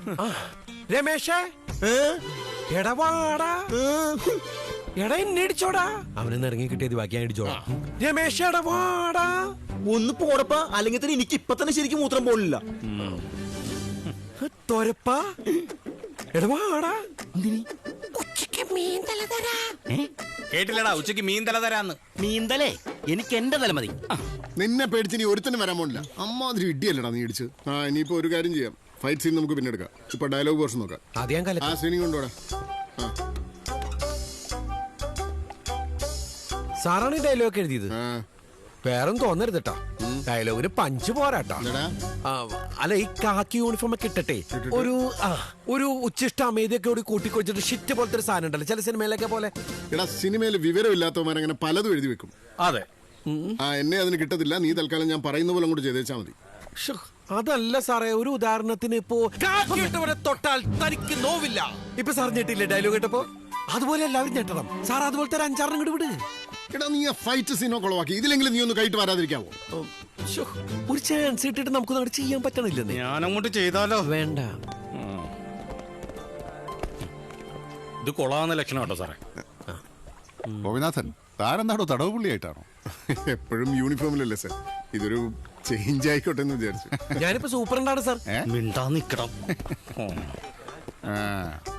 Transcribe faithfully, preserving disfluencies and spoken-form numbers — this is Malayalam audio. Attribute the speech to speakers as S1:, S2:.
S1: രമേശേ എടവാടാ എടാ എന്നെ ഇടിച്ചോടാ. അവനെന്ന് ഇറങ്ങി കിട്ടിയത് ബാക്കി ഞാൻ ഇടിച്ചോടാ. രമേശ് എടവാടാ.
S2: ഒന്ന് പോടപ്പാ, അല്ലെങ്കിൽ തന്നെ എനിക്ക് ഇപ്പൊ തന്നെ ശരിക്കും മൂത്രം പോലില്ല.
S1: തൊരപ്പാ എടവാടാ.
S3: ഉച്ചക്ക് മീൻ തല തരാ.
S4: കേട്ടില്ലടാ, ഉച്ചക്ക് മീൻ തല തരാന്ന്.
S2: മീന്തലേ എനിക്ക് എന്റെ തല മതി.
S5: നിന്നെ പേടിച്ച് നീ ഒരുത്തന്നെ വരാൻ പോണില്ല. അമ്മാതിരി ഇടിയല്ലടാ നീ ഇടിച്ച്. ആ ഇനിയിപ്പോ ഒരു കാര്യം ചെയ്യാം, ഫൈറ്റ് സീൻ നമുക്ക് പിന്നെ എടുക്കാം. ഇപ്പൊ ഡയലോഗ് പോർഷൻ നോക്കാം.
S1: ആദ്യം
S5: ആ സീനിങ് കൊണ്ടുപോടാ.
S1: സാറാണ് ഈ ഡയലോഗ് എഴുതിയത്. വേറൊന്നും തോന്നരുത് കേട്ടോ, ഡയലോഗിന് പഞ്ച് പോരാട്ടോ. അല്ല ഈ കാക്കി യൂണിഫോം ഒക്കെ ഇട്ടട്ടെ ഒരു ആ ഒരു ഉച്ചിഷ്ട അമേദിയൊക്കെ കൂടി കൂട്ടിക്കൊഴിച്ചിട്ട് ഷിറ്റ് പോലത്തെ ഒരു സാധനം ഉണ്ടല്ലോ ചില സിനിമയിലൊക്കെ പോലെ.
S5: എടാ സിനിമയിൽ വിവരമില്ലാത്തവന്മാരങ്ങനെ പലതും എഴുതി വെക്കും.
S4: അതെ,
S5: ആ എന്നെ അതിന് കിട്ടത്തില്ല. നീ തൽക്കാലം ഞാൻ പറയുന്ന പോലെ അങ്ങോട്ട് ചെയ്തേച്ചാ മതി.
S1: അതല്ല സാറേ, ഒരു ഉദാഹരണത്തിന് ഇപ്പോ കാക്കിയിട്ടവരെ തൊട്ടാൽ തനിക്ക് നോവില്ല. ഇപ്പൊ സാർ ഞെട്ടില്ലേ ഡയലോഗ് കേട്ടപ്പോ? അതുപോലെ എല്ലാവരും ഞെട്ടണം സാർ. അതുപോലത്തെ ഒരു അഞ്ചാറിനും കൂടി വിട്.
S5: എടാ നീ ആ ഫൈറ്റ് സീനോ കൊളവാക്കി. ഇതിലെങ്കിലും നീ ഒന്ന് കൈട്ട് വരാതിരിക്കാവോ?
S1: ഒരു ചാൻസ് ഇട്ടിട്ട് നമുക്ക് അങ്ങോട്ട് ചെയ്യാൻ പറ്റണില്ലെന്ന്.
S4: ഞാൻ അങ്ങോട്ട് ചെയ്താലോ?
S1: വേണ്ട,
S4: ഇത് കൊള്ളാവുന്ന ലക്ഷണം കേട്ടോ സാറേ.
S6: ഗോപിനാഥൻ താരെന്താണോ തടവ് പുള്ളിയായിട്ടാണോ?
S5: എപ്പോഴും യൂണിഫോമിലല്ലേ സാർ, ഇതൊരു ചേഞ്ച് ആയിക്കോട്ടെ എന്ന് വിചാരിച്ചു.
S1: ഞാനിപ്പോ സൂപ്പറിന്റാണ് സാർ.
S4: മിണ്ടാ നിക്കണം.